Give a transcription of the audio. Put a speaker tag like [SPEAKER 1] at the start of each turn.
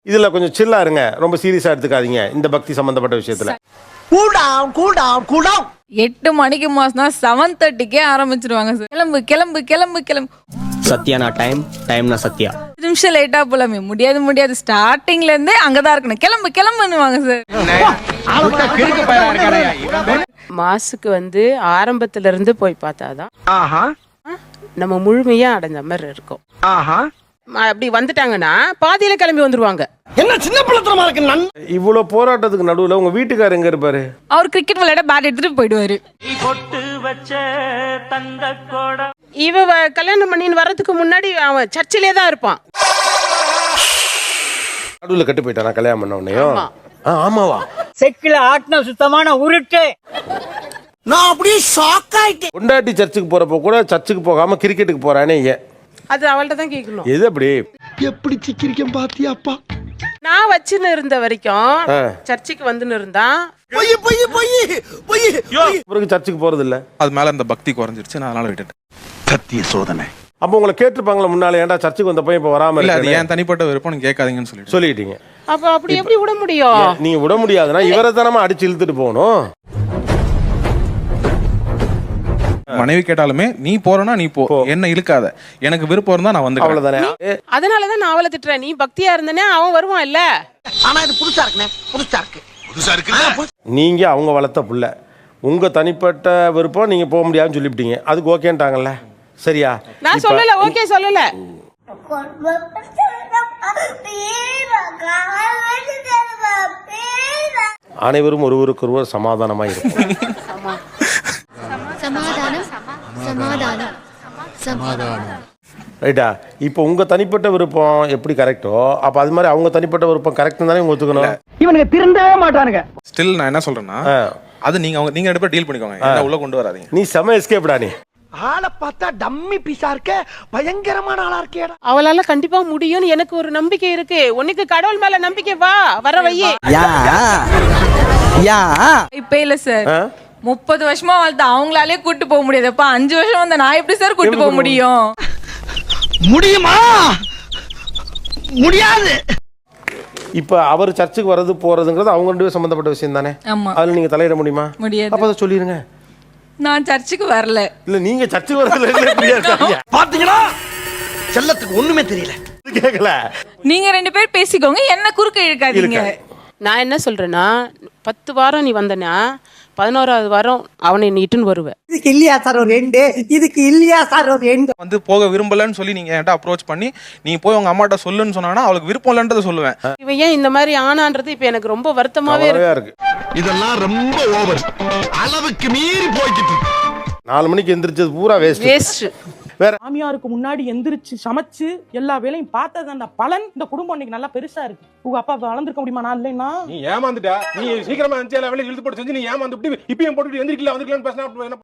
[SPEAKER 1] இதுல கொஞ்சம் சில்லா இருங்க, ரொம்ப சீரியஸா எடுத்துக்காதீங்க இந்த பக்தி சம்பந்தப்பட்ட விஷயத்துல.
[SPEAKER 2] கூல் டவுன்
[SPEAKER 3] 8 மணிக்கு மாசம்னா 7:30க்கே ஆரம்பிச்சிருவாங்க சார். கிளம்பு கிளம்பு கிளம்பு கிளம்பு.
[SPEAKER 2] சத்யானா டைம்னா சத்யா.
[SPEAKER 3] 5 நிமிஷம் லேட்டா போலாமே. முடியாது ஸ்டார்டிங்ல இருந்தே அங்கதான் இருக்கணும். கிளம்பு கிளம்புன்னுவாங்க சார்.
[SPEAKER 4] மாசுக்கு வந்து ஆரம்பத்துல இருந்து போய் பார்த்தாதான் நம்ம முழுமையா அடைஞ்ச மாதிரி இருக்கும். அப்படி வந்துட்டாங்கன்னா பாதியில கிளம்பி வந்துருவாங்க.
[SPEAKER 2] என்ன சின்ன பிள்ளைத்தனமா இருக்கு.
[SPEAKER 1] இவ்வளவு போராட்டத்துக்கு நடுவுல உங்க வீட்டுக்காரர் எங்க இருப்பாரு?
[SPEAKER 3] அவர் கிரிக்கெட் விளையாட பேட் எடுத்துட்டு போயிடுவாரு.
[SPEAKER 4] கல்யாணம் பண்ணின்னு வர்றதுக்கு முன்னாடி அவன் சர்ச்சிலே தான் இருப்பான்.
[SPEAKER 1] நடுவுல கட்டு போயிட்டானா கல்யாணம் பண்ண உடனேயும்? ஆமாவா?
[SPEAKER 2] செக்கில ஆட்டின சுத்தமான உருட்டு. நான் அப்படியே ஷாக் ஆயிட்டேன்.
[SPEAKER 1] பொண்டாட்டி சர்ச்சுக்கு போறப்போ கூட சர்ச்சுக்கு போகாம கிரிக்கெட்டுக்கு போறானே ஏன்?
[SPEAKER 4] அது அவள்கிட்ட தான் கேட்கணும்.
[SPEAKER 1] எது அப்படி?
[SPEAKER 2] எப்படி சிக்கிரிக்கம் பாத்தியாப்பா?
[SPEAKER 4] நான் வச்சுன்னு இருந்த வரைக்கும் சர்ச்சுக்கு வந்துன்னு இருந்தா
[SPEAKER 1] பிறகு சர்ச்சுக்கு போறது இல்ல.
[SPEAKER 5] அது மேல இந்த பக்தி குறைஞ்சிருச்சு, நான் அதனால விட்டுட்டேன்.
[SPEAKER 2] சத்திய சோதனை.
[SPEAKER 1] அப்ப உங்களை கேட்டிருப்பாங்களா முன்னால, ஏன்டா சர்ச்சுக்கு வந்த பையன் இப்ப வராம
[SPEAKER 5] இல்ல, அது
[SPEAKER 1] இருக்கானே?
[SPEAKER 5] ஏன் தனிப்பட்ட விருப்பம், நீங்க கேட்காதீங்கன்னு
[SPEAKER 1] சொல்லிட்டீங்க.
[SPEAKER 4] அப்ப அப்படி எப்படி விட முடியும்?
[SPEAKER 1] நீங்க விட முடியாதுன்னா இவரை தானமா அடிச்சு இழுத்துட்டு போகணும்.
[SPEAKER 5] மனைவி கேட்டாலுமே நீ போறனா நீ போ, என்ன இழுக்காத, எனக்கு விருப்பம் இருந்தா நான் வந்து.
[SPEAKER 1] அவ்வளவுதானே.
[SPEAKER 4] அதனாலதான் நான் அவளை திட்டுறேன். நீ பக்தியா இருந்தனே அவன் வருவான் இல்ல.
[SPEAKER 2] ஆனா இது புதுசா இருக்குனே. புதுசா இருக்கு.
[SPEAKER 1] நீங்க அவங்க வளர்த்த புள்ள, உங்க தனிப்பட்ட விருப்பம் நீங்க போக முடியாதுன்னு சொல்லிவிட்டீங்க. அதுக்கு ஓகேன்ட்டாங்கல்ல, சரியா?
[SPEAKER 4] நான் சொல்லல, ஓகே சொல்லல.
[SPEAKER 1] அனைவரும் ஒருவருக்கொருவர் சமாதானமா இருக்கும். ரைட்டா? இப்போ உங்க தனிப்பட்ட விருப்பம் எப்படி கரெக்டோ, அப்ப அது மாதிரி அவங்க தனிப்பட்ட விருப்பம் கரெக்ட் தானே உங்க ஒத்துக்கணும்.
[SPEAKER 2] இவனுக்கு திருந்தவே மாட்டானுங்க.
[SPEAKER 5] ஸ்டில் நான் என்ன சொல்றேன்னா, அது நீங்க ரெண்டு பேரும் டீல் பண்ணிக்கோங்க, என்ன உள்ள கொண்டு வராதீங்க.
[SPEAKER 1] நீ செம எஸ்கேப்டா. நீ
[SPEAKER 2] ஆளை பார்த்தா டம்மி பீஸா இருக்க, பயங்கரமான ஆளா இருக்கேடா.
[SPEAKER 4] அவளால கண்டிப்பா முடியும்னு எனக்கு ஒரு நம்பிக்கை இருக்கு. உனக்கு கடவுள் மேல நம்பிக்கை, வா வர வையே.
[SPEAKER 3] இப்ப இல்ல சார், 30 வருஷமா வாழ்த்து அவங்களாலே கூட்டு போக முடியாது. அப்ப 5 வருஷம் வந்த நான் எப்படி சார் கூட்டு போக முடியும்?
[SPEAKER 2] முடியுமா? முடியாது.
[SPEAKER 1] இப்ப அவர் சர்ச்சுக்கு வர்றது போறதுங்கிறது அவங்க ரெண்டு பேரும் சம்பந்தப்பட்ட விஷயம் தானே.
[SPEAKER 3] ஆமா.
[SPEAKER 1] அதுல நீங்க தலையிட முடியுமா?
[SPEAKER 3] முடியாது.
[SPEAKER 1] அப்ப அதை சொல்லிருங்க.
[SPEAKER 3] நான் சர்ச்சுக்கு வரல.
[SPEAKER 1] இல்ல நீங்க சர்ச்சுக்கு வரல.
[SPEAKER 2] பாத்தீங்களா, செல்லத்துக்கு ஒண்ணுமே தெரியல.
[SPEAKER 1] கேக்கல.
[SPEAKER 3] நீங்க 2 பேர் பேசிக்கோங்க, என்ன குறுக்க இழுக்காதீங்க.
[SPEAKER 4] நான் என்ன சொல்றேன்னா, 10 வாரம் நீ வந்தனா 11வது வாரம் அவனை நீட்டுன்னு வருவேன்.
[SPEAKER 2] இதுக்கு இல்லையா சார் ஒரு எண்டு? இதுக்கு இல்லையா சார் ஒரு எண்டு?
[SPEAKER 5] வந்து போக விரும்பலன்னு சொல்லி நீங்க என்கிட்ட அப்ரோச் பண்ணி நீ போய் உங்க அம்மாட்ட சொல்லுன்னு சொன்னாங்கன்னா அவளுக்கு விருப்பம் இல்லன்றதை சொல்லுவேன்.
[SPEAKER 4] இவன் ஏன் இந்த மாதிரி ஆனான்றது இப்ப எனக்கு ரொம்ப வருத்தமாவே இருக்கு.
[SPEAKER 2] இதெல்லாம் ரொம்ப ஓவர், அளவுக்கு மீறி போய்கிட்டு.
[SPEAKER 1] 4 மணிக்கு எந்திரிச்சது பூரா வேஸ்ட். வேற
[SPEAKER 6] மாமியாருக்கு முன்னாடி எந்திரிச்சு சமைச்சு எல்லா வேலையும் பார்த்தது பலன் இந்த குடும்பம் இன்னைக்கு நல்லா பெருசா இருக்கு. உங்க அப்பா வளர்ந்துருக்க முடியுமா? நான் இல்லைன்னா
[SPEAKER 7] நீ ஏமாந்துட்டா, நீ சீக்கிரமா எல்லா வேலையும் இழுத்து போட்டு செஞ்சு நீ ஏமாந்து இப்பயும் போட்டுட்டு எந்திரிக்கல வந்துக்கலாம்னு பேசினா